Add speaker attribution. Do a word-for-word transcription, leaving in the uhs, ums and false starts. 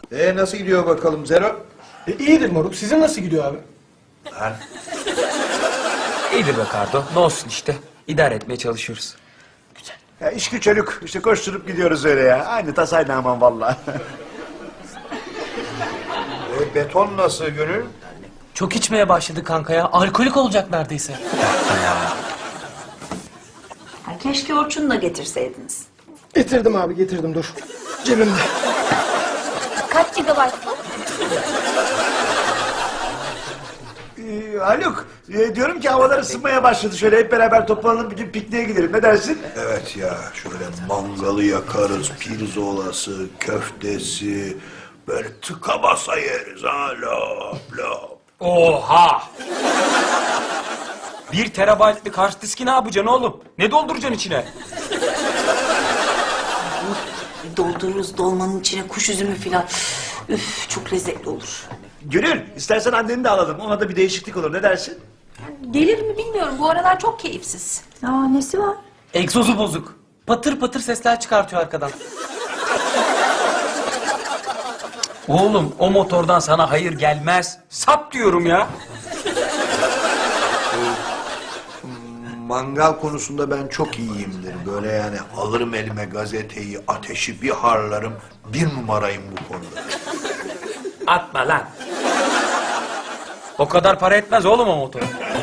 Speaker 1: E nasıl gidiyor bakalım Zero?
Speaker 2: E, iyidir moruk. Sizin nasıl gidiyor abi?
Speaker 1: Ha?
Speaker 3: İyidir be Kardo. Ne olsun işte. İdare etmeye çalışıyoruz.
Speaker 4: Ya iş güç çocuk. İşte koşturup gidiyoruz öyle ya. Aynı tasayla aman vallahi.
Speaker 1: E, beton nasıl Gönül?
Speaker 5: Çok içmeye başladı kanka ya. Alkolik olacak neredeyse.
Speaker 6: Ha, keşke Orçun'u da getirseydiniz.
Speaker 2: Getirdim abi getirdim dur. Cebimde.
Speaker 7: Kaç gigabayt bu?
Speaker 4: Ee, Haluk, e, diyorum ki havalar ısınmaya başladı. Şöyle hep beraber toplanalım bir gün pikniğe gidelim. Ne dersin?
Speaker 1: Evet ya şöyle mangalı yakarız, pirzolası, köftesi, böyle tıka basa yeriz ha lop lop.
Speaker 3: Oha! Bir terabaytlık hard diski ne yapacaksın oğlum? Ne dolduracaksın içine?
Speaker 6: Doldururuz dolmanın içine kuş üzümü filan. Üf, çok lezzetli olur.
Speaker 4: Gönül, istersen anneni de alalım. Ona da bir değişiklik olur. Ne dersin?
Speaker 6: Gelir mi bilmiyorum. Bu aralar çok keyifsiz.
Speaker 7: Aa, nesi var?
Speaker 5: Egzozu bozuk. Patır patır sesler çıkartıyor arkadan.
Speaker 3: Oğlum o motordan sana hayır gelmez. Sap diyorum ya.
Speaker 1: Mangal konusunda ben çok iyiyimdir. Böyle yani alırım elime gazeteyi, ateşi bir harlarım. Bir numarayım bu konuda.
Speaker 3: Atma lan. O kadar para etmez oğlum o motor.